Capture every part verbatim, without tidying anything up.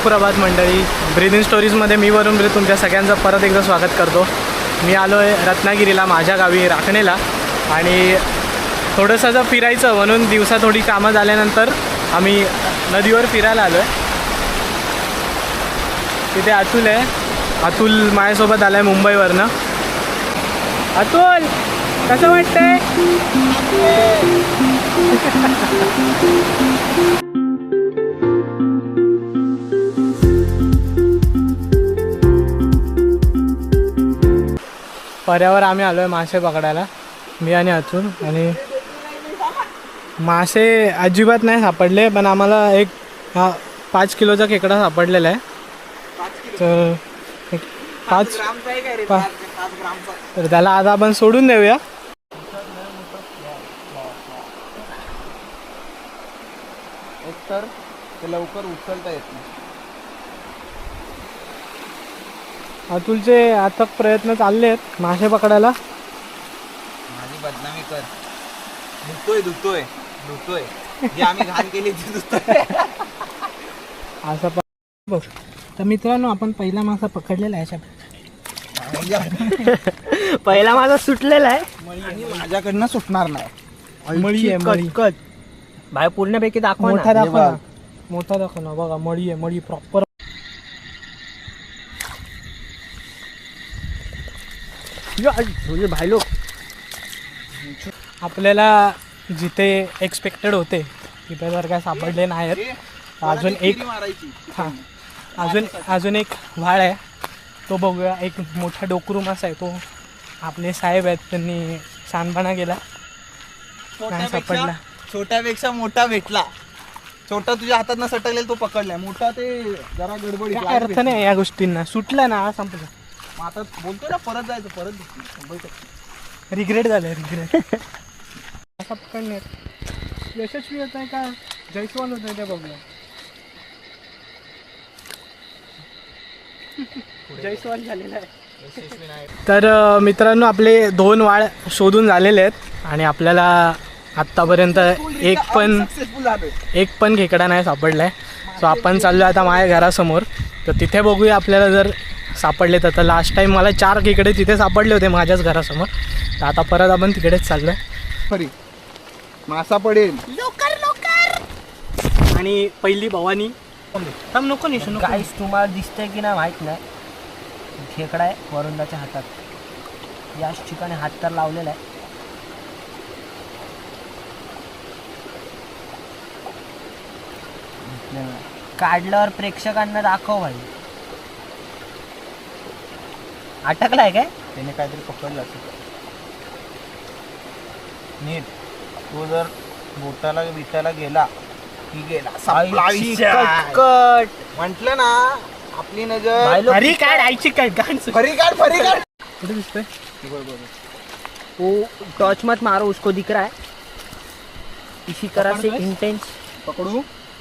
सुप्रभात मंडळी. ब्रीदिंग स्टोरीजमध्ये मी वरुण ब्रीद तुमच्या सगळ्यांचं परत एकदा स्वागत करतो. मी आलो आहे रत्नागिरीला, माझ्या गावी राखणेला. आणि थोडंसं जर फिरायचं म्हणून दिवसा थोडी कामं झाल्यानंतर आम्ही नदीवर फिरायला आलो आहे. तिथे अतुल आहे. अतुल माझ्यासोबत आला आहे मुंबईवरनं. अतुल कसं वाटतंय? पर्यावर आम्ही आलो आहे मासे पकडायला, मी आणि अतुल. आणि मासे अजिबात नाही सापडले, पण आम्हाला एक हा पाच किलोचा खेकडा सापडलेला आहे. तर एक पाच पा तर त्याला आता आपण सोडून देऊया. एक तर ते लवकर उचलता येत नाही. अतुलचे अथक प्रयत्न चालले आहेत मासे पकडायला. माझी बदनामी कर. धुतोय धुतोय धुतोय जे आम्ही घाण केली ती धुतोय. असं प बघ. तर मित्रांनो, आपण पहिला मासा पकडलेला आहे. पहिला मासा सुटलेला आहे आणि माझ्याकडनं सुटणार नाही. मळी आहे, मळी. कट भाई पूर्णपैकी दाखवा. मोठा दाखव ना, मोठा दाखव ना. बघा मळी आहे, मळी प्रॉपर. भाई लोक आपल्याला जिथे एक्सपेक्टेड होते तिथे जर काय सापडले नाहीत. अजून एक हां अजून अजून एक व्हाळ आहे, तो बघूया. एक मोठा डोकरू मासा आहे, तो आपले साहेब आहेत, त्यांनी छानपणा केला, नाही सापडला. छोट्यापेक्षा मोठा भेटला. छोटा तुझ्या हातात न सटकलेला तो पकडलाय, मोठा ते जरा गडबडी. काय अर्थ नाही या गोष्टींना. सुटला ना संपलं. मग आता बोलतोय ना परत जायचं, परत रिग्रेट झालं. रिग्रेट असा पकडण्यात यशस्वी होत आहे का जयस्वाल होत आहे ते बघूया. जयस्वाल झालेला आहे. तर मित्रांनो, आपले दोन वाळ शोधून झालेले आहेत आणि आपल्याला आत्तापर्यंत एक पण एक पण खेकडा नाही सापडला आहे. सो आपण चाललो आता माझ्या घरासमोर. तर तिथे बघूया आपल्याला जर सापडले तर. लास्ट टाईम मला चार खेकडे तिथे सापडले होते माझ्याच घरासमोर. तर आता परत आपण तिकडेच चाललो आहे. खरी मासा पडेल लवकर लवकर. आणि पहिली भवानी थांब. नको निशू. काहीच तुम्हाला दिसतंय की नाही माहित नाही. खेकडा आहे वरुणाच्या हातात. याच ठिकाणी हात तर लावलेला आहे. काढल्यावर प्रेक्षकांना दाखव भाई. अटकलाय काय? त्याने काहीतरी पकडलं असेल. नीट तो जर बोटाला बिटाला गेला की गेला. कट म्हटलं ना, आपली नजर फरी काढ. आईची काय गाण. फरी काढ फरी काढ. कुठे दिसतंय? वो टॉर्च मत मारो, उसको दिख रहा है. इसी तरह से इंटेंस पकडू.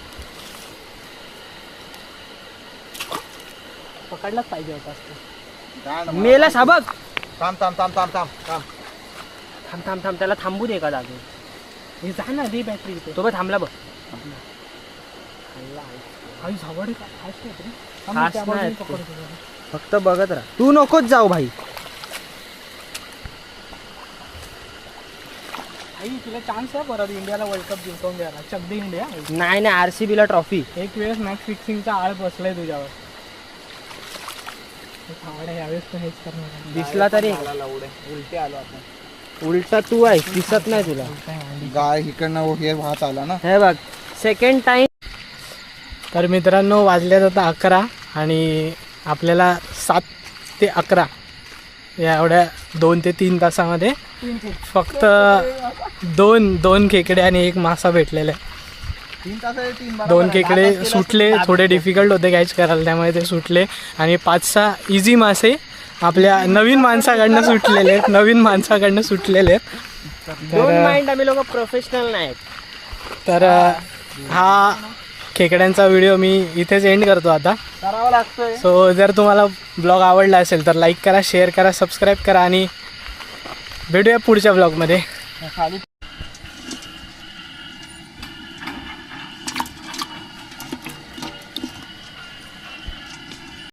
पकडलाच पाहिजे होता असतो. मेला साबक. थांब थांब थांब थांब थांब थांब थांब थांब थांब त्याला थांबू दे का जागे. हे जा ना, दे बॅटरी इथे. तो बघ थांबला बघ. आई झावड का फास्ट आहे. फास्ट त्या बाजूने नाही. पकडतो जरा. फक्त बघत राहा. तू नकोच जाऊ भाई. आई तुला चान्स आहे परत इंडियाला वर्ल्ड कप जिंकवून द्यायला. चक दे इंडिया. नाही नाही आरसीबीला ट्रॉफी. एक वेळेस मॅच फिक्सिंगचा आळ बसलाय तुझ्यावर. यावेळेस पण हेच करणार. दिसला तरी उलटे आलो आपण. उलटा तू आहे, दिसत नाही तुला. गाय इकडनं हे वाहत आला ना. हे बघ सेकंड टाइम. तर मित्रांनो, वाजल्यात आता अकरा आणि आपल्याला सात ते अकरा या एवढ्या दोन ते तीन तासामध्ये फक्त दोन दोन खेकडे आणि एक मासा भेटलेला आहे. तीन तास आहे, तीन बरोबर दोन आहे. खेकडे सुटले, थोडे डिफिकल्ट होते कॅच करायला, त्यामुळे ते सुटले. आणि पाच सहा इझी मासे आपल्या नवीन माणसाकडनं सुटलेले आहेत. नवीन माणसाकडनं सुटलेले आहेत. डोंट माइंड, आम्ही लोक प्रोफेशनल नाहीत. तर हा खेकड्यांचा व्हिडिओ मी इथेच एंड करतो आता. करावं लागतंय. सो जर तुम्हाला ब्लॉग आवडला असेल तर लाईक करा, शेअर करा, सबस्क्राईब करा आणि भेटूया पुढच्या ब्लॉगमध्ये. खाली